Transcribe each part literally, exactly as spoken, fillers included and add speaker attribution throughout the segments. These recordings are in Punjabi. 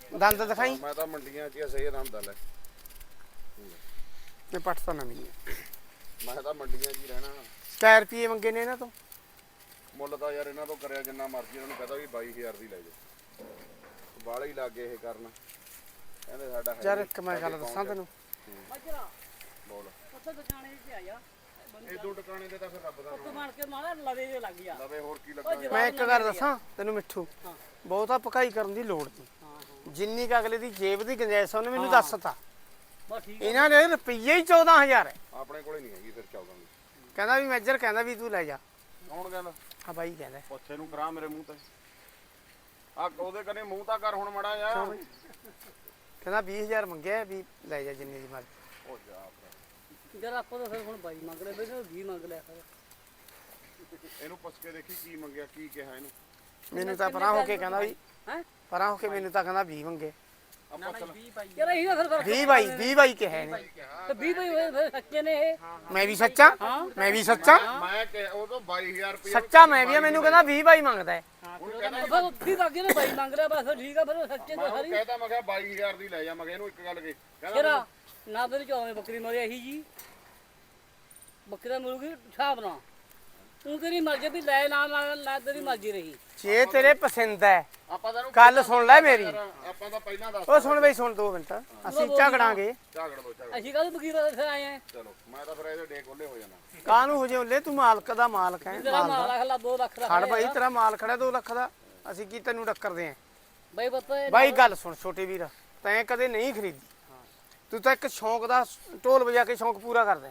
Speaker 1: ਦੰਦ ਦਿਖਾਈ।
Speaker 2: ਮੈਂ ਤਾਂ ਮੰਡੀਆਂ 'ਚ ਹੀ ਸਹੀ ਦੰਦ ਲੈ
Speaker 1: ਇਹ ਪੱਟ ਤਾਂ ਨਵੀਂ ਹੈ।
Speaker 2: ਮੈਂ ਤਾਂ ਮੰਡੀਆਂ 'ਚ ਹੀ ਰਹਿਣਾ।
Speaker 1: ਚਾਰ ਰੁਪਏ ਮੰਗੇ ਨੇ ਇਹਨਾਂ ਤੋਂ।
Speaker 2: ਮੁੱਲ ਤਾਂ ਯਾਰ ਇਹਨਾਂ ਤੋਂ ਕਰਿਆ ਜਿੰਨਾ ਮਰਜ਼ੀ, ਇਹਨਾਂ ਨੂੰ ਕਹਦਾ ਵੀ ਬਾਈ ਹਜ਼ਾਰ ਦੀ ਲੈ ਜਾ। ਬਾਲੇ ਹੀ ਲੱਗੇ ਇਹ ਕਰਨ, ਕਹਿੰਦੇ ਸਾਡਾ
Speaker 1: ਯਾਰ ਇੱਕ ਮੈਂ ਗੱਲ ਦੱਸਾਂ ਤੈਨੂੰ।
Speaker 2: ਬੋਲ।
Speaker 3: ਉੱਥੇ ਦੁਕਾਨੇ 'ਚ ਆਇਆ
Speaker 2: ਇਹ ਦੋ ਟਿਕਾਣੇ ਤੇ ਤਾਂ ਫਿਰ ਰੱਬ ਦਾ
Speaker 3: ਉੱਥੇ ਬਣ ਕੇ ਮਾਰਾ ਲਵੇ ਜੇ ਲੱਗ ਗਿਆ।
Speaker 2: ਲਵੇ ਹੋਰ ਕੀ ਲੱਗਾ।
Speaker 1: ਮੈਂ ਇੱਕ ਗੱਲ ਦੱਸਾਂ ਤੈਨੂੰ ਮਿੱਠੂ, ਬਹੁਤਾ ਪਕਾਈ ਕਰਨ ਦੀ ਲੋੜ ਨਹੀਂ। ਜਿੰਨੀ ਕ ਅਗਲੇ ਦੀ ਜੇਬ ਦੀ ਗੁੰਜਾਇਸ਼ ਉਹਨੇ ਮੈਨੂੰ ਦੱਸਤਾ।
Speaker 3: ਬਸ ਠੀਕ
Speaker 1: ਇਹਨਾਂ ਦੇ ਰੁਪਈਏ ਹੀ ਚੌਦਾਂ ਹਜ਼ਾਰ ਹੈ।
Speaker 2: ਆਪਣੇ ਕੋਲੇ ਨਹੀਂ ਹੈਗੀ ਫਿਰ ਚੌਦਾਂ ਦੀ।
Speaker 1: ਕਹਿੰਦਾ ਵੀ ਮੈਜਰ ਕਹਿੰਦਾ ਵੀ ਤੂੰ ਲੈ ਜਾ।
Speaker 2: ਕੌਣ ਕਹਿੰਦਾ?
Speaker 1: ਹਾਂ ਬਾਈ ਕਹਿੰਦਾ।
Speaker 2: ਪੁੱਛੇ ਨੂੰ ਕਰਾ ਮੇਰੇ ਮੂੰਹ ਤੇ। ਆ ਉਹਦੇ ਕਨੇ ਮੂੰਹ ਤਾਂ ਕਰ ਹੁਣ ਮੜਾ ਜਾ।
Speaker 1: ਕਹਿੰਦਾ ਵੀਹ ਹਜ਼ਾਰ ਮੰਗਿਆ ਵੀ ਲੈ ਜਾ ਜਿੰਨੀ ਦੀ ਮਰਜ਼ੀ।
Speaker 2: ਉਹ ਜਾ
Speaker 3: ਜਦ ਆਪਾਂ ਤਾਂ ਫਿਰ ਹੁਣ ਬਾਈ ਮੰਗ ਲੈ ਬਈ ਵੀਹ ਮੰਗ ਲਿਆ ਫਿਰ।
Speaker 2: ਇਹਨੂੰ ਪੁੱਛ ਕੇ ਦੇਖੀ ਕੀ ਮੰਗਿਆ, ਕੀ ਕਿਹਾ ਇਹਨੂੰ।
Speaker 1: ਮੈਨੂੰ ਤਾਂ ਪਰਾਂ ਹੋ ਕੇ ਕਹਿੰਦਾ ਵੀ
Speaker 3: ਹੈ
Speaker 1: ਪਰਾਂ ਹੋ ਕੇ ਮੈਨੂੰ ਤਾਂ ਕਹਿੰਦਾ ਵੀਹ ਮੰਗੇ।
Speaker 2: ਆਪਾਂ ਚੱਲ
Speaker 3: ਯਾਰ ਇਹਦਾ ਫਿਰ ਫਰਕ
Speaker 1: ਵੀਹ ਬਾਈ ਵੀਹ ਬਾਈ ਕਿਹਾ ਇਹਨੇ।
Speaker 3: ਤੇ ਵੀਹ ਬਾਈ ਹੋਏ ਫਿਰ ਸੱਚੇ ਨੇ ਇਹ।
Speaker 1: ਮੈਂ ਵੀ ਸੱਚਾ ਮੈਂ ਵੀ ਸੱਚਾ
Speaker 2: ਮੈਂ ਕਿ ਉਹ ਤੋਂ ਬਾਈ ਹਜ਼ਾਰ ਰੁਪਏ
Speaker 1: ਸੱਚਾ ਮੈਂ ਵੀ ਆ। ਮੈਨੂੰ ਕਹਿੰਦਾ ਵੀਹ ਬਾਈ ਮੰਗਦਾ ਹੈ।
Speaker 3: ਫਿਰ ਉੱਥੇ ਲੱਗੇ ਨੇ ਬਾਈ ਮੰਗ ਲਿਆ ਬਸ ਠੀਕ ਆ ਫਿਰ ਸੱਚੇ ਤਾਂ ਸਾਰੀ।
Speaker 2: ਕਹਿੰਦਾ ਮੈਂ ਕਿਹਾ ਬਾਈ ਹਜ਼ਾਰ ਦੀ ਲੈ ਜਾ। ਮੈਂ ਕਿਹਾ ਇਹਨੂੰ ਇੱਕ ਗੱਲ ਕਹੀ, ਕਹਿੰਦਾ
Speaker 3: ਤੇਰਾ ਨਾ ਤੇਰੀ ਚੌਵੇਂ ਬੱਕਰੀ ਮਰੀ ਇਹੀ ਜੀ ਬੱਕਰਾ ਮਿਲੂਗੀ ਹਿਸਾਬ ਨਾਲ। ਤੂੰ ਤੇਰੀ ਮਰਜ਼ੀ ਵੀ ਲੈ ਨਾ ਨਾ ਲੈ ਤੇਰੀ ਮਰਜ਼ੀ ਰਹੀ।
Speaker 1: ਜੇ ਤੇਰੇ ਪਸੰਦ ਹੈ
Speaker 2: ਆਪਾਂ ਤਾਂ ਇਹਨੂੰ
Speaker 1: ਗੱਲ ਸੁਣ ਲੈ ਮੇਰੀ।
Speaker 2: ਆਪਾਂ ਤਾਂ ਪਹਿਲਾਂ ਦੱਸ
Speaker 1: ਉਹ ਸੁਣ ਬਈ ਸੁਣ ਦੋ ਮਿੰਟ ਅਸੀਂ ਝਗੜਾਂਗੇ।
Speaker 2: ਝਾਗੜ ਦੋ ਝਾਗੜ।
Speaker 3: ਅਸੀਂ ਕਾਹਦੇ ਵਕੀਲ ਇੱਥੇ ਆਏ ਆ।
Speaker 2: ਚਲੋ ਮੈਂ ਤਾਂ ਫਿਰ ਇਹਦੇ ਡੇ ਕੋਲੇ ਹੋ ਜਾਣਾ।
Speaker 1: ਕਾਹਨੂੰ ਹੋ ਜੇ ਉੱਲੇ ਤੂੰ ਮਾਲਕ ਦਾ ਮਾਲਕ ਹੈ।
Speaker 3: ਤੇਰਾ ਮਾਲ ਲੱਖ ਲਾ ਦੋ ਲੱਖ ਦਾ
Speaker 1: ਖੜ ਬਾਈ ਤੇਰਾ ਮਾਲ ਖੜਾ ਦੋ ਲੱਖ ਦਾ। ਅਸੀਂ ਕੀ ਤੈਨੂੰ ਟੱਕਰਦੇ ਆਂ
Speaker 3: ਬਾਈ ਪਤਾ
Speaker 1: ਬਾਈ। ਗੱਲ ਸੁਣ ਛੋਟੇ ਵੀਰ, ਤੈਂ ਕਦੇ ਨਹੀਂ ਖਰੀਦੀ। ਤੂੰ ਤਾਂ ਇੱਕ ਸ਼ੌਂਕ ਦਾ ਢੋਲ ਵਜਾ ਕੇ ਸ਼ੌਂਕ ਪੂਰਾ ਕਰਦਾ।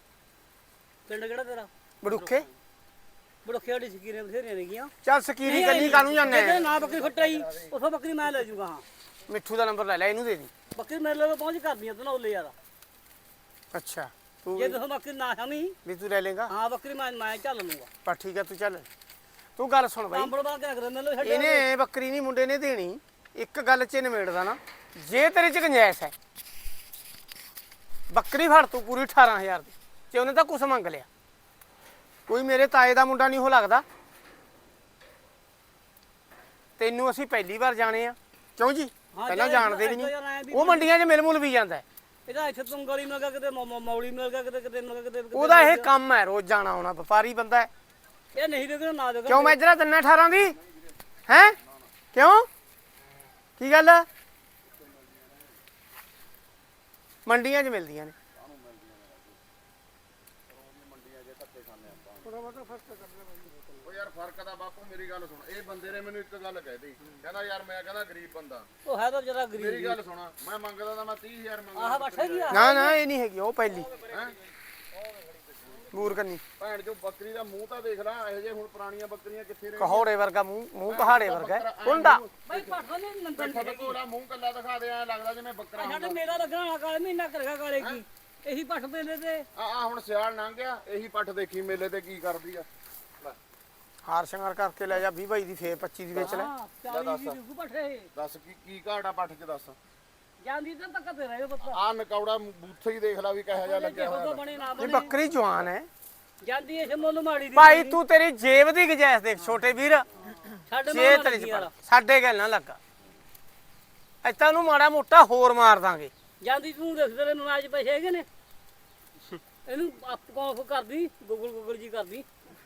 Speaker 3: ਪਿੰਡ ਕਿਹੜਾ ਤੇਰਾ?
Speaker 1: ਬੜੁੱਖੇ
Speaker 3: ਬੜੋਖੇ ਵਾਲੀ ਸਕੀਰੇ ਬਥੇਰੀਆਂ ਨੇਗੀਆਂ।
Speaker 1: ਚੱਲ ਸਕੀਰੀ ਕੰਨੀ ਕਾਹਨੂੰ ਜਾਂਦੇ
Speaker 3: ਜੇ ਨਾ ਬੱਕਰੀ ਫਟਾਈ ਉਥੋਂ ਬੱਕਰੀ ਮੈਂ ਲੈ ਜੂਗਾ। ਹਾਂ
Speaker 1: ਮਿੱਠੂ ਦਾ ਨੰਬਰ ਲੈ ਲੈ, ਇਹਨੂੰ ਦੇ ਦੀ।
Speaker 3: ਬੱਕਰੀ ਮੇਰੇ ਲਈ ਪਹੁੰਚ ਕਰਦੀਆਂ ਤੂੰ ਨਾ ਉੱਲੇ ਯਾਰ।
Speaker 1: ਅੱਛਾ ਤੂੰ
Speaker 3: ਜੇ ਤੁਸੀਂ ਬੱਕਰੀ ਨਾ ਸਮੀ
Speaker 1: ਵੀ ਤੂੰ ਲੈ ਲੇਗਾ।
Speaker 3: ਹਾਂ ਬੱਕਰੀ ਮੈਂ ਮੈਂ ਚੱਲ ਲੂੰਗਾ।
Speaker 1: ਪਰ ਠੀਕ ਹੈ ਤੂੰ ਚੱਲ। ਤੂੰ ਗੱਲ ਸੁਣ ਬਾਈ,
Speaker 3: ਕੰਬਲ ਬਣਾ ਕੇ ਰੱਖ ਦੇ ਮੈਨੂੰ ਛੱਡ।
Speaker 1: ਇਹਨੇ ਬੱਕਰੀ ਨਹੀਂ ਮੁੰਡੇ ਨੇ ਦੇਣੀ। ਇੱਕ ਗੱਲ ਚ ਨਿਬੇੜਦਾ ਨਾ, ਜੇ ਤੇਰੇ ਚ ਗੁੰਜਾਇਸ਼ ਹੈ ਬੱਕਰੀ ਫੜ ਤੂੰ ਪੂਰੀ ਅਠਾਰਾਂ ਹਜ਼ਾਰ ਦੀ। ਤੇ ਉਹਨੇ ਤਾਂ ਕੁਛ ਮੰਗ ਲਿਆ। ਕੋਈ ਮੇਰੇ ਤਾਏ ਦਾ ਮੁੰਡਾ ਨਹੀਂ ਹੋ ਲੱਗਦਾ। ਤੈਨੂੰ ਅਸੀਂ ਪਹਿਲੀ ਵਾਰ ਜਾਣੇ ਆ ਕਿਉਂ ਜੀ? ਪਹਿਲਾਂ ਜਾਣਦੇ ਵੀ ਨਹੀਂ। ਉਹ ਮੰਡੀਆਂ 'ਚ ਮਿਲ ਮੁਲ ਵੀ ਜਾਂਦਾ।
Speaker 3: ਇਹਦਾ ਇੱਥੇ ਤੁੰਗਲੀ ਮਿਲ ਗਿਆ ਕਿਤੇ ਮੌਲੀ ਮਿਲ ਗਿਆ ਕਿਤੇ ਕਿਤੇ ਮਿਲ ਗਿਆ ਕਿਤੇ।
Speaker 1: ਉਹਦਾ ਇਹ ਕੰਮ ਹੈ ਰੋਜ਼ ਜਾਣਾ ਆਉਣਾ। ਵਪਾਰੀ ਬੰਦਾ ਹੈ।
Speaker 3: ਇਹ ਨਹੀਂ ਦੇਖਣਾ ਨਾ ਦੇਖਣਾ।
Speaker 1: ਕਿਉਂ ਮੈਂ ਜਰਾ ਤਿੰਨ ਅਠਾਰਾਂ ਦੀ ਹੈ? ਕਿਉਂ ਕੀ ਗੱਲ? ਮੰਡੀਆਂ 'ਚ ਮਿਲਦੀਆਂ ਨੇ।
Speaker 2: ਉਹ ਯਾਰ ਫਰਕ ਦਾ ਬਾਪੂ ਮੇਰੀ ਗੱਲ ਸੁਣ। ਇਹ ਬੰਦੇ ਨੇ ਮੈਨੂੰ ਇੱਕ ਗੱਲ ਕਹਿ ਦਿੱਤੀ, ਕਹਿੰਦਾ ਯਾਰ ਮੈਂ ਕਹਿੰਦਾ ਗਰੀਬ ਬੰਦਾ।
Speaker 3: ਉਹ ਹੈ ਤਾਂ ਜਰਾ ਗਰੀਬ।
Speaker 2: ਮੇਰੀ ਗੱਲ ਸੁਣਾ, ਮੈਂ ਮੰਗਦਾ ਤਾਂ ਮੈਂ ਤੀਹ ਹਜ਼ਾਰ ਮੰਗਦਾ।
Speaker 3: ਆਹ ਬੱਠਾ ਕੀ ਆ?
Speaker 1: ਨਾ ਨਾ ਇਹ ਨਹੀਂ ਹੈਗੀ ਉਹ ਪਹਿਲੀ
Speaker 2: ਹੈ
Speaker 1: ਮੂਰ ਕੰਨੀ।
Speaker 2: ਭੈਣ ਜੋ ਬੱਕਰੀ ਦਾ ਮੂੰਹ ਤਾਂ ਦੇਖ ਲੈ। ਇਹੋ ਜਿਹੇ ਹੁਣ ਪੁਰਾਣੀਆਂ ਬੱਕਰੀਆਂ ਕਿੱਥੇ ਰਹਿ
Speaker 1: ਕਹੋੜੇ ਵਰਗਾ ਮੂੰਹ, ਮੂੰਹ ਪਹਾੜੇ ਵਰਗਾ ਹੈ। ਕੁੰਡਾ
Speaker 3: ਬਾਈ ਪੱਠਾ ਨਹੀਂ ਨੰਦਨ
Speaker 2: ਬੈਠਾ ਤੇ ਕੋਲਾ ਮੂੰਹ ਕੱਲਾ ਦਿਖਾ ਦੇ, ਐ ਲੱਗਦਾ ਜਿਵੇਂ ਬੱਕਰਾ
Speaker 3: ਸਾਡੇ
Speaker 2: ਹੁੰਦਾ।
Speaker 3: ਮੇਲਾ ਲੱਗਣਾ ਕਾਲੇ ਮਹੀਨਾ ਕਰੇਗਾ ਕਾਲੇ ਕੀ ਇਹੀ ਪੱਠ ਪੇਲੇ ਤੇ।
Speaker 2: ਆ ਆ ਹੁਣ ਸਿਆਲ ਲੰਘ ਗਿਆ, ਇਹੀ ਪੱਠ ਦੇਖੀ ਮੇਲੇ ਤੇ ਕੀ ਕਰਦੀ ਆ। ਲੈ
Speaker 1: ਹਾਰ ਸ਼ਿੰਗਾਰ ਕਰਕੇ ਲੈ ਜਾ ਵੀਹ ਬਾਈ ਦੀ, ਫੇਰ ਪੱਚੀ ਦੀ ਵੇਚ ਲੈ।
Speaker 3: ਹਾਂ ਚਾਲੀ ਦੀ ਰੁਕੂ ਪੱਠੇ
Speaker 2: ਦੱਸ ਕੀ ਕੀ ਘਾਟਾ ਪੱਠ ਚ ਦੱਸ।
Speaker 3: ਜਾਂਦੀ ਤਾਂ ਧੱਕਾ ਤੇ ਰਹੇ ਪੱਤਾ।
Speaker 2: ਆ ਨਕੌੜਾ ਬੂਥੇ ਹੀ ਦੇਖ ਲੈ ਵੀ ਕਿਹੋ ਜਿਹਾ ਲੱਗਿਆ ਹੋਇਆ।
Speaker 3: ਉਹਦਾ ਬਣੇ ਨਾ
Speaker 1: ਇਹ
Speaker 3: ਬਣੇ
Speaker 1: ਬੱਕਰੀ ਜਵਾਨ ਹੈ
Speaker 3: ਜਾਂਦੀ ਇਸ ਮੁੱਲ ਮਾੜੀ ਦੀ।
Speaker 1: ਭਾਈ। ਤੂੰ ਤੇਰੀ ਜੇਬ ਦੀ ਗੁੰਜਾਇਸ਼ ਦੇਖ ਛੋਟੇ ਵੀਰ।
Speaker 3: ਸਾਡੇ
Speaker 1: ਜੇ
Speaker 3: ਨਾਲ
Speaker 1: ਤੇਰੇ
Speaker 3: ਲੱਗੀ
Speaker 1: ਚ
Speaker 3: ਯਾਰ।
Speaker 1: ਪੜ ਸਾਡੇ ਗੱਲ ਨਾ ਲੱਗਾ। ਇੱਥੇ ਨੂੰ ਮਾੜਾ ਮੋਟਾ ਹੋਰ ਮਾਰ ਦਾਂਗੇ।
Speaker 3: ਜਾਂਦੀ ਤੂੰ ਦੇਖ ਤੇਰੇ ਮਨਾਜ ਪੈਸੇ ਹੈਗੇ ਨੇ। ਇਹਨੂੰ ਆਪ ਕੌਣ ਕਰਦੀ ਗੂਗਲ ਗੂਗਲ ਜੀ ਕਰਦੀ।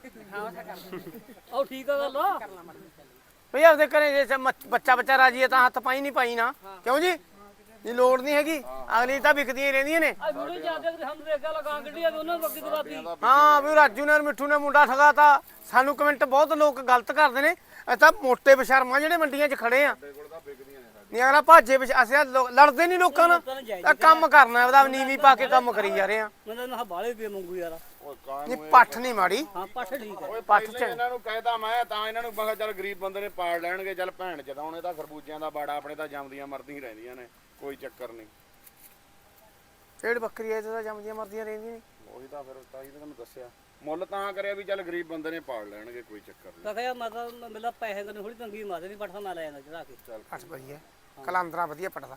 Speaker 3: ਉਹ ਠੀਕ ਆ ਗੱਲ ਆ।
Speaker 1: ਭਈ ਆਪਦੇ ਘਰੇ ਜੇ ਮ- ਬੱਚਾ ਬੱਚਾ ਰਾਜੀ ਹੈ ਤਾਂ ਹੱਥ ਪਾਈ ਨਹੀਂ ਪਾਈ ਨਾ। ਕਿਉਂ ਜੀ? ਇਹ ਲੋੜ ਨਹੀਂ ਹੈਗੀ। ਅਗਲੀ ਤਾਂ ਵਿਕਦੀਆਂ ਹੀ ਰਹਿੰਦੀਆਂ ਨੇ।
Speaker 3: ਆ ਵੀਡੀਓ ਜਾਂਦੇ ਕਿ ਸਾਨੂੰ ਦੇਖ ਕੇ ਲਗਾ ਗੱਡੀ ਆ ਉਹਨਾਂ ਬੱਕੀ ਦਵਾਤੀ।
Speaker 1: ਹਾਂ ਵੀ ਰਾਜੂ ਨੇ ਮਿੱਠੂ ਨੇ ਮੁੰਡਾ ਠਗਾਤਾ। ਸਾਨੂੰ ਕਮੈਂਟ ਬਹੁਤ ਲੋਕ ਗਲਤ ਕਰਦੇ ਨੇ। ਇਹ ਤਾਂ ਮੋਟੇ ਬਸ਼ਰਮਾ ਜਿਹੜੇ ਮੰਡੀਆਂ 'ਚ ਖੜੇ ਆ। ਨਹੀਂ ਅਗਲਾ ਭਾਜੇ ਵਿੱਚ ਅਸੀਂ ਲੋ- ਲੜਦੇ ਨਹੀਂ ਲੋਕਾਂ ਨਾਲ। ਤਾਂ ਕੰਮ ਕਰਨਾ ਉਹਦਾ ਨੀਵੀਂ ਪਾ ਕੇ ਕੰਮ ਕਰੀ ਜਾ ਰਹੇ ਆ।
Speaker 3: ਮੈਂ ਤਾਂ ਬਾਲੇ ਪੇ ਮੰਗੂ ਯਾਰ।
Speaker 2: ਓਏ ਕਾਂ
Speaker 1: ਨਹੀਂ ਪੱਠ ਨਹੀਂ ਮਾੜੀ।
Speaker 3: ਹਾਂ ਪੱਠ ਠੀਕ ਹੈ।
Speaker 2: ਓਏ
Speaker 1: ਪੱਠ
Speaker 2: ਪਹਿਲਾਂ
Speaker 1: ਚ
Speaker 2: ਇਹਨਾਂ ਨੂੰ ਕਹਿਦਾ ਮੈਂ ਤਾਂ ਇਹਨਾਂ ਨੂੰ ਮੈਂ ਕਿਹਾ ਚੱਲ ਗਰੀਬ ਬੰਦੇ ਨੇ ਪਾੜ ਲੈਣਗੇ। ਚੱਲ ਭੈਣ ਜਦਾਉਣੇ ਤਾਂ ਖਰਬੂਜਿਆਂ ਦਾ ਬਾੜਾ ਆਪਣੇ ਤਾਂ ਜੰਮਦੀਆਂ ਮਰਦੀਆਂ ਰਹਿੰਦੀਆਂ ਨੇ, ਕੋਈ ਚੱਕਰ ਨਹੀਂ।
Speaker 1: ਕਿਹੜੀ ਬੱਕਰੀ ਐ ਤਾਂ ਜੰਮਦੀਆਂ ਮਰਦੀਆਂ ਰਹਿੰਦੀਆਂ ਨੇ।
Speaker 2: ਉਹੀ ਤਾਂ ਫਿਰ ਤਾਂ ਹੀ ਤਾਂ ਤੁਹਾਨੂੰ ਦੱਸਿਆ। ਮੁੱਲ ਤਾਂ ਕਰਿਆ ਵੀ ਚੱਲ ਗਰੀਬ ਬੰਦੇ ਨੇ ਪਾੜ ਲੈਣਗੇ, ਕੋਈ ਚੱਕਰ ਨਹੀਂ।
Speaker 3: ਤਾਂ ਕਿਹਾ ਮੈਂ ਤਾਂ ਮੇਲਾ ਪੈਸੇ ਕਰਨੇ ਥੋੜੀ ਤੰਗੀ ਮਾਰਦੇ ਨਹੀਂ ਪੱਠਾ ਮੈਂ ਲੈ ਜਾਂਦਾ ਚੜਾ ਕੇ।
Speaker 2: ਚੱਲ
Speaker 1: ਪੱਠ ਵਧੀਆ ਕਲਾਂਦਰਾ ਵਧੀਆ ਪੱਟਦਾ।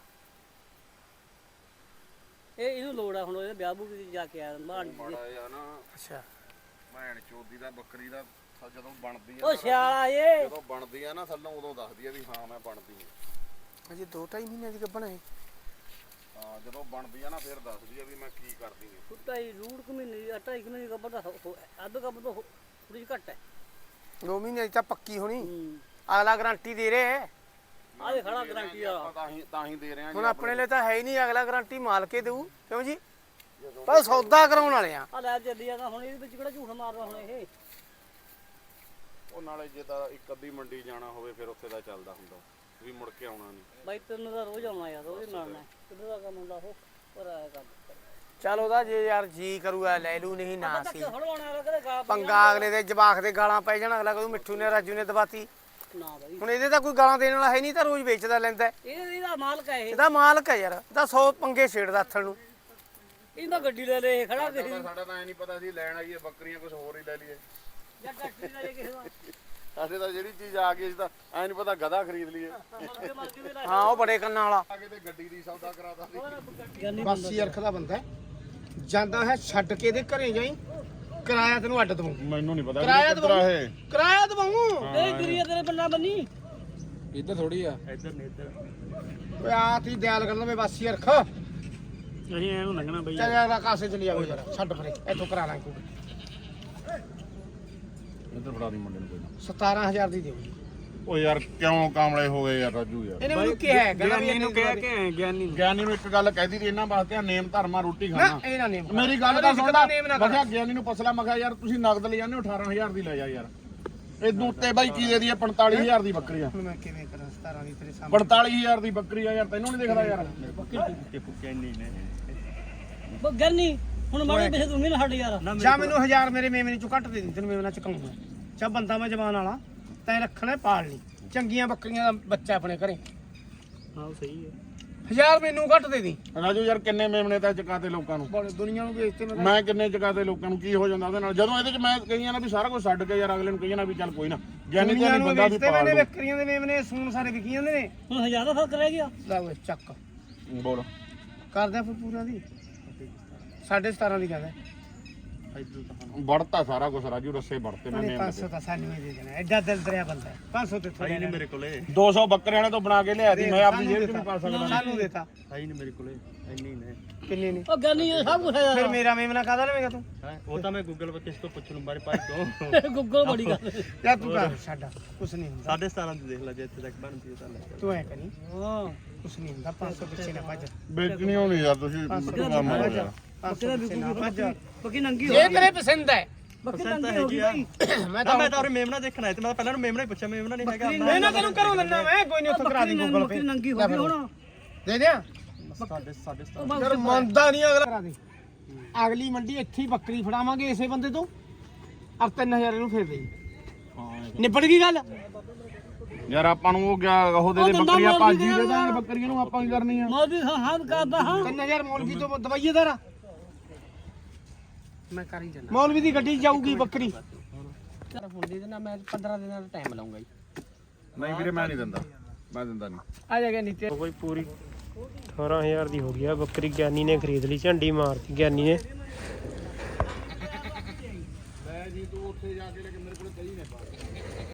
Speaker 3: ਇਹ ਇਹਨੂੰ ਲੋੜ ਆ ਹੁਣ ਇਹਦੇ ਵਿਆਹ ਬੂ ਜਾ ਕੇ ਆਇਆ ਮਾੜੀ ਜੀ।
Speaker 2: ਮਾੜਾ ਜਿਹਾ ਨਾ
Speaker 1: ਅੱਛਾ
Speaker 2: ਭੈਣ ਚੋਦੀ ਦਾ ਬੱਕਰੀ ਦਾ ਥ- ਜਦੋਂ ਬਣਦੀ ਆ
Speaker 3: ਉਹ ਸਿਆਲਾ ਏ
Speaker 2: ਜਦੋਂ ਬਣਦੀ ਆ ਨਾ ਥੱਲੋਂ ਉਦੋਂ ਦੱਸਦੀ ਆ ਵੀ ਹਾਂ ਮੈਂ ਬਣਦੀ ਆ।
Speaker 1: ਅਜੇ ਦੋ ਢਾਈ ਮਹੀਨੇ ਦੀ ਗੱਭਣ ਹੈ।
Speaker 2: ਹਾਂ ਜਦੋਂ ਬਣਦੀ ਆ ਨਾ ਫਿਰ ਦੱਸਦੀ ਆ ਵੀ ਮੈਂ ਕੀ ਕਰਦੀ ਆ।
Speaker 3: ਕੁੱਤਾ ਹੀ ਰੂੜ ਕੁ ਮਹੀਨੇ ਢਾਈ ਕੁ ਮਹੀਨੇ ਗੱਬਰ ਦਾ ਅੱਧ ਗੱਬਰ ਤੋਂ ਥੋੜੀ ਜਿਹੀ ਘੱਟ ਹੈ।
Speaker 1: ਦੋ ਮਹੀਨੇ ਦੀ ਤਾਂ ਪੱਕੀ ਹੋਣੀ।
Speaker 3: ਹੂੰ
Speaker 1: ਅਗਲਾ ਗਾਰੰਟੀ ਦੇ ਰਿਹਾ ਹੈ।
Speaker 3: ਆਹ ਦੇ ਖੜਾ ਗਰੰਟੀ ਵਾਲਾ।
Speaker 2: ਆਪਾਂ ਤਾਂ ਹੀ ਤਾਂ ਹੀ ਦੇ ਰਹੇ ਆ
Speaker 1: ਹੁਣ ਆਪਣੇ ਲਈ ਤਾਂ ਹੈ ਹੀ ਨਹੀਂ, ਅਗਲਾ ਗਾਰੰਟੀ ਮਾਲ ਕੇ ਦੇਊ ਕਿਉਂ ਜੀ। ਪਰ ਸੌਦਾ ਕਰਾਉਣ ਵਾਲੇ ਆ।
Speaker 3: ਆ ਲੈ ਚੱਲੀ ਜਾਂਦਾ ਹੁਣ ਇਹਦੇ ਵਿੱਚ ਕਿਹੜਾ ਝੂਠ ਮਾਰਦਾ ਹੁਣ ਇਹ।
Speaker 2: ਉਹ ਨਾਲੇ ਜੇ ਤਾਂ ਇੱਕ ਅੱਧੀ ਮੰਡੀ ਜਾਣਾ ਹੋਵੇ ਫਿਰ ਉੱਥੇ ਦਾ ਚੱਲਦਾ ਹੁੰਦਾ ਵੀ ਮੁੜ ਕੇ ਆਉਣਾ ਨਹੀਂ।
Speaker 3: ਬਾਈ ਤੈਨੂੰ ਤਾਂ ਰੋਜ਼ ਆਉਣਾ ਯਾਰ, ਰੋਜ਼ ਮਿਲਣਾ ਕਿੱਦਾਂ ਦਾ ਕੰਮ ਹੁੰਦਾ ਉਹ ਪਰ ਆਇਆ ਕਰ
Speaker 1: ਚੱਲ ਉਹਦਾ ਜੇ ਯਾਰ ਜੀ ਕਰੂਗਾ ਲੈ ਲੂ, ਨਹੀਂ ਨਾ ਸੀ।
Speaker 3: ਹੜਵਾਉਣਾ ਲੱਗਦਾ ਗਾ
Speaker 1: ਪੰਗਾ ਅਗਲੇ ਦੇ ਜਵਾਕ ਦੇ ਗਾਲਾਂ ਪੈ ਜਾਣ, ਅਗਲਾ ਕਹੂ ਮਿੱਠੂ ਨੇ ਰਾਜੂ ਨੇ ਦਬਾਤੀ।
Speaker 3: ਨਾ ਬਾਈ
Speaker 1: ਹੁਣ ਇਹਦੇ ਤਾਂ ਕੋਈ ਗਾਲਾਂ ਦੇਣ ਵਾਲਾ ਹੈ ਨਹੀਂ, ਤਾਂ ਰੋਜ਼ ਵੇਚਦਾ ਲੈਂਦਾ।
Speaker 3: ਇਹ ਇਹਦਾ ਮਾਲਕ ਹੈ ਇਹ।
Speaker 1: ਇਹਦਾ ਮਾਲਕ ਹੈ ਯਾਰ, ਇਹਦਾ ਸੌ ਪੰਗੇ ਛੇੜਦਾ ਹੱਥਣ ਨੂੰ।
Speaker 3: ਇਹਦਾ ਗੱਡੀ ਲੈ ਲੈ ਖੜਾ ਦੇ
Speaker 2: ਸਾਡਾ ਤਾਂ ਐ ਨਹੀਂ ਪਤਾ ਸੀ ਲੈਣ ਆਈਏ ਬੱਕਰੀਆਂ ਕੁਝ ਹੋਰ ਹੀ ਲੈ ਲਈਏ।
Speaker 3: ਜਾਂ ਟੱਕਰੀ ਦਾ ਜੇ ਕਿਸੇ ਦਾ
Speaker 2: ਸਾਡੇ ਤਾਂ ਜਿਹੜੀ ਚੀਜ਼ ਆ ਗਈ ਸੀ ਤਾਂ ਐ ਨਹੀਂ ਪਤਾ ਗਧਾ ਖਰੀਦ ਲਈਏ।
Speaker 3: ਮਰਦੇ ਮਰਦੇ ਦੇ ਲੈ
Speaker 1: ਹਾਂ ਉਹ ਬੜੇ ਕੰਨਾਂ ਵਾਲਾ
Speaker 2: ਆ ਕੇ ਤੇ ਗੱਡੀ ਦੀ ਸੌਦਾ ਕਰਾਤਾ ਸੀ।
Speaker 1: ਬਾਸੀ ਅਰਖ ਦਾ ਬੰਦਾ ਹੈ। ਜਾਂਦਾ ਹੈ ਛੱਡ ਕੇ ਇਹਦੇ ਘਰੇ ਜਾਈ, ਕਿਰਾਇਆ ਤੈਨੂੰ ਅੱਡ ਦਵਾਂ।
Speaker 2: ਮੈਨੂੰ ਨਹੀਂ ਪਤਾ
Speaker 1: ਕਿਰਾਇਆ ਦਵਾਂ, ਕਿਰਾਇਆ ਦਵਾਂ।
Speaker 3: ਇਹ ਗੁਰੀਆ ਤੇਰੇ ਬੰਨਾ ਬੰਨੀ
Speaker 4: ਇੱਧਰ ਥੋੜੀ ਆ।
Speaker 3: ਇੱਧਰ ਨੇ ਇੱਧਰ
Speaker 1: ਓਏ ਆ ਤੀ ਦਿਆਲ ਕਰ ਲਵੇ ਬਾਸੀ ਅਰਖ।
Speaker 3: ਅਸੀਂ ਐਨੂੰ ਲੰਘਣਾ ਬਈ
Speaker 1: ਚੱਲ ਯਾਰ ਕਾਸੇ ਚਲੀ ਜਾਵੇ ਯਾਰ, ਛੱਡ ਪਰੇ ਇੱਥੋਂ ਕਰਾ ਲਾਂ ਕੋਈ।
Speaker 2: ਇੱਧਰ ਫੜਾ ਦੀ ਮੁੰਡੇ ਨੂੰ ਕੋਈ ਨਾ।
Speaker 1: ਸਤਾਰਾਂ ਹਜ਼ਾਰ ਦੀ ਦਿਓ।
Speaker 2: ਓ ਯਾਰ ਕਿਉਂ ਕਾਮਲੇ ਹੋ ਗਏ ਯਾਰ ਰਾਜੂ ਯਾਰ।
Speaker 1: ਇਹਨੇ ਮੈਨੂੰ ਕਿਹਾ ਹੈ, ਕਹਿੰਦਾ ਵੀ ਇਹਨੂੰ ਕਿਹਾ
Speaker 3: ਕਿ ਗਿਆਨੀ
Speaker 2: ਗਿਆਨੀ ਨੂੰ ਇੱਕ ਗੱਲ ਕਹਿਦੀ ਸੀ ਇਹਨਾਂ ਵਾਸਤੇ ਨੇਮ ਧਰਮਾ ਰੋਟੀ
Speaker 1: ਨਾ
Speaker 2: ਖਾਣਾ।
Speaker 1: ਇਹ ਨਾ ਨੇਮ
Speaker 2: ਮੇਰੀ ਗੱਲ ਤਾਂ ਸੁਣ ਲੈ।
Speaker 1: ਨੇਮ ਨਾ
Speaker 2: ਮੈਂ
Speaker 1: ਕਰ।
Speaker 2: ਕਿਹਾ ਗਿਆਨੀ ਨੂੰ ਪੁੱਛ ਲੈ, ਮੈਂ ਕਿਹਾ ਯਾਰ ਤੁਸੀਂ ਨਗਦ ਲੈ ਜਾਂਦੇ ਹੋ ਅਠਾਰਾਂ ਹਜ਼ਾਰ ਦੀ ਲੈ ਜਾ ਯਾਰ। ਇਹ ਦੂਤੇ ਬਾਈ ਕੀ ਦੇ ਦੀ ਪੰਤਾਲੀ ਹਜ਼ਾਰ ਦੀ ਬੱਕਰੀ ਆ।
Speaker 1: ਹੁਣ ਮੈਂ ਕਿਵੇਂ ਕਰਾਂ ਸਤਾਰਾਂ ਦੀ ਤੇਰੇ ਸਾਹਮਣੇ।
Speaker 2: ਪੰਤਾਲੀ ਹਜ਼ਾਰ ਦੀ ਬੱਕਰੀ ਆ ਯਾਰ, ਤੈਨੂੰ ਨਹੀਂ ਦਿਖਦਾ ਯਾਰ।
Speaker 3: ਉਹ ਗਿਆਨੀ ਹੁਣ ਮਾੜੇ ਪੈਸੇ ਤੂੰ ਵੀ ਨਾ ਛੱਡ ਯਾਰ
Speaker 1: ਜਾਂ ਮੈਨੂੰ ਹਜ਼ਾਰ ਮੇਰੇ ਮੇਮਨੇ ਚੋਂ ਘੱਟ ਦੇ ਦੇ, ਤੈਨੂੰ ਮੇਮਨਾ ਚੁਕਾਉਂਗਾ। ਚਾ ਬੰਦਾ ਮੈਂ ਜਵਾਨ ਵਾਲਾ, ਤੈਂ ਰੱਖਣਾ ਪਾਲ ਲਈ ਚੰਗੀਆਂ ਬੱਕਰੀਆਂ ਦਾ ਬੱਚਾ ਆਪਣੇ ਘਰੇ।
Speaker 3: ਹਾਂ ਸਹੀ ਹੈ
Speaker 1: ਹਜ਼ਾਰ ਮੈਨੂੰ ਘੱਟ ਦੇ ਦੀ।
Speaker 2: ਰਾਜੂ ਯਾਰ ਕਿੰਨੇ ਮੇਮਣੇ ਤਾਂ ਚਕਾਤੇ ਲੋਕਾਂ ਨੂੰ।
Speaker 1: ਬੜੇ ਦੁਨੀਆ ਨੂੰ ਵੇਚਤੇ ਮੈਂ
Speaker 2: ਮੈਂ ਕਿੰਨੇ ਚਕਾਤੇ ਲੋਕਾਂ ਨੂੰ, ਕੀ ਹੋ ਜਾਂਦਾ ਉਹਦੇ ਨਾਲ ਜਦੋਂ ਇਹਦੇ ਚ ਮੈਂ ਕਹੀਆਂ ਨਾ ਵੀ ਸਾਰਾ ਕੁਝ ਛੱਡ ਕੇ ਯਾਰ ਅਗਲੇ ਨੂੰ ਕਹੀਆਂ ਨਾ ਵੀ ਚੱਲ ਕੋਈ ਨਾ ਗਿਆਨੀ
Speaker 1: ਦੁਨੀਆ
Speaker 2: ਤੇ
Speaker 1: ਨੂੰ
Speaker 2: ਬੰਦਾ ਵੀ
Speaker 1: ਵੇਚਤੇ
Speaker 2: ਪਾਲ
Speaker 1: ਮੈਨੇ
Speaker 2: ਲਓ।
Speaker 1: ਬੱਕਰੀਆਂ ਦੇ ਮੇਮਨੇ ਸੂਣ ਸਾਰੇ ਵਿਕੀ ਜਾਂਦੇ ਨੇ।
Speaker 3: ਹੁਣ ਹਜ਼ਾਰ ਦਾ ਫਰਕ ਰਹਿ ਗਿਆ
Speaker 1: ਲੈ ਓਏ ਚੱਕ
Speaker 2: ਬੋਲ
Speaker 1: ਕਰਦੇ ਆ ਫਿਰ ਪੂਰਾ ਦੀ ਸਾਢੇ ਸਤਾਰਾਂ ਦੀ ਕਹਿੰਦਾ।
Speaker 2: ਵੜਤਾ ਸਾਰਾ ਕੁਝ ਰਾਜੂ, ਰੱਸੇ ਵੜਤੇ ਮੈਂ ਮੇਮ
Speaker 1: ਪੰਜ ਸੌ ਤਾਂ ਸਾਨੂੰ ਹੀ ਦੇ ਦੇਣਾ, ਐਡਾ ਦਿਲ ਦਰਿਆ ਬੰਦਾ ਹੈ। ਪੰਜ ਸੌ ਤੇ ਥੋੜੀ ਨਹੀਂ ਮੇਰੇ
Speaker 3: ਕੋਲੇ
Speaker 2: ਦੋ ਸੌ ਬੱਕਰਿਆਂ ਨੇ ਤੋਂ ਬਣਾ ਕੇ ਲਿਆ ਸੀ, ਮੈਂ ਆਪਣੀ ਜੇਬ ਚ ਨਹੀਂ ਪਾ ਸਕਦਾ।
Speaker 1: ਸਾਨੂੰ ਦੇਤਾ
Speaker 3: ਹੈ ਨਹੀਂ ਮੇਰੇ ਕੋਲੇ ਇੰਨੀ ਨੇ
Speaker 1: ਕਿੰਨੇ ਨੇ।
Speaker 3: ਉਹ ਗਿਆਨੀ ਇਹ ਸਭ ਕੁਝ ਹੈ
Speaker 1: ਫਿਰ ਮੇਰਾ ਮੇਮਨਾ ਕਾਹਦਾ ਲਵੇਂਗਾ ਤੂੰ।
Speaker 3: ਉਹ ਤਾਂ ਮੈਂ ਗੂਗਲ ਤੇ ਇਸ ਤੋਂ ਪੁੱਛ ਲੂੰ ਬਾਰੇ ਭਾਈ ਤੋਂ ਗੂਗਲ ਬੜੀ ਗੱਲ
Speaker 1: ਯਾ ਤੂੰ ਕਰ ਛੱਡ, ਕੁਛ ਨਹੀਂ ਹੁੰਦਾ।
Speaker 3: ਸਾਢੇ ਸਤਾਰਾਂ ਦੀ ਦੇਖ ਲੈ ਜੇ ਇੱਥੇ ਤੱਕ ਬਣਦੀ ਤਾਂ ਲੈ
Speaker 1: ਤੂੰ ਐ ਕਰੀ,
Speaker 3: ਹਾਂ
Speaker 1: ਕੁਛ ਨਹੀਂ ਹੁੰਦਾ। ਪੰਜ ਸੌ ਪਿੱਛੇ ਨਾ ਭੱਜ,
Speaker 2: ਵੇਚਣੀ ਹੋਣੀ ਯਾਰ ਤੁਸੀਂ ਕੰਮ ਹੋ ਗਿਆ।
Speaker 1: ਪੰਜ ਸੌ ਪਿੱਛੇ ਨਾ ਭੱਜ।
Speaker 3: ਬੱਕੀ ਨੰਗੀ ਹੋ
Speaker 1: ਜੇ ਤੇਰੇ ਪਸੰਦ ਹੈ
Speaker 3: ਬੱਕੀ ਨੰਗੀ ਹੋ ਗਈ ਭਾਈ।
Speaker 1: ਮੈਂ ਤਾਂ
Speaker 3: ਮੈਂ ਤਾਂ ਉਹ ਮੇਮਣਾ ਦੇਖਣਾ ਹੈ ਤੇ ਮੈਂ ਪਹਿਲਾਂ ਨੂੰ ਮੇਮਣਾ ਹੀ ਪੁੱਛਿਆ, ਮੇਮਣਾ ਨਹੀਂ ਹੈਗਾ
Speaker 1: ਮੈਂ ਨਾ ਤੈਨੂੰ ਘਰੋਂ ਦਿੰਦਾ, ਮੈਂ ਕੋਈ ਨਹੀਂ ਉੱਥੋਂ ਕਰਾ ਦੀ ਗੂਗਲ ਪੇ।
Speaker 3: ਨੰਗੀ ਹੋ ਗਈ ਹੁਣ
Speaker 1: ਦੇ ਦਿਆਂ
Speaker 3: ਸਾਢੇ ਸਾਢੇ
Speaker 1: ਯਾਰ ਮੰਨਦਾ ਨਹੀਂ ਅਗਲਾ। ਕਰਾ ਦੇ ਅਗਲੀ ਮੰਡੀ ਇੱਥੇ ਹੀ ਬੱਕਰੀ ਫੜਾਵਾਂਗੇ ਇਸੇ ਬੰਦੇ ਤੋਂ, ਔਰ ਤਿੰਨ ਹਜ਼ਾਰ ਇਹਨੂੰ ਫੇਰ ਦੇਈ। ਨਿਬੜ ਗਈ ਗੱਲ।
Speaker 2: ਯਾਰ ਆਪਾਂ ਨੂੰ ਉਹ ਗਿਆ ਉਹ ਦੇ ਦੇ ਬੱਕਰੀਆਂ ਭਾਜੀ ਦੇ ਦਾਂਗੇ ਬੱਕਰੀਆਂ ਨੂੰ, ਆਪਾਂ ਕੀ ਕਰਨੀ ਆ।
Speaker 3: ਮੋਦੀ ਹਾਂ ਹਾਂ ਕਰਦਾ ਹਾਂ
Speaker 1: ਤਿੰਨ ਹਜ਼ਾਰ ਮੌਲਵੀ ਤੋਂ ਦਵਾਈਏ ਦਾਰਾ ਮੈਂ ਕਰ ਹੀ ਜਾਣਾ। ਮੌਲਵੀ ਦੀ ਗੱਡੀ 'ਚ ਜਾਊਗੀ ਬੱਕਰੀ। ਯਾਰ ਹੁਣ ਦੇ ਦੇਣਾ, ਮੈਂ ਪੰਦਰਾਂ ਦਿਨਾਂ ਦਾ ਟਾਈਮ ਲਾਉਂਗਾ ਜੀ।
Speaker 2: ਨਹੀਂ ਵੀਰੇ ਮੈਂ ਨਹੀਂ ਦਿੰਦਾ, ਮੈਂ ਦਿੰਦਾ ਨਹੀਂ।
Speaker 1: ਆ ਜਾ ਗਿਆ ਨੀਤੇ
Speaker 5: ਕੋਈ ਪੂਰੀ ਅਠਾਰਾਂ ਹਜ਼ਾਰ ਦੀ ਹੋ ਗਈ ਆ ਬੱਕਰੀ। ਗਿਆਨੀ ਨੇ ਖਰੀਦ ਲਈ, ਝੰਡੀ ਮਾਰਤੀ ਗਿਆਨੀ ਨੇ।
Speaker 2: ਮੈਂ ਜੀ ਤੂੰ ਉੱਥੇ ਜਾ ਕੇ ਲੈ ਕੇ ਮੇਰੇ ਕੋਲ ਕਹੀ ਨੇ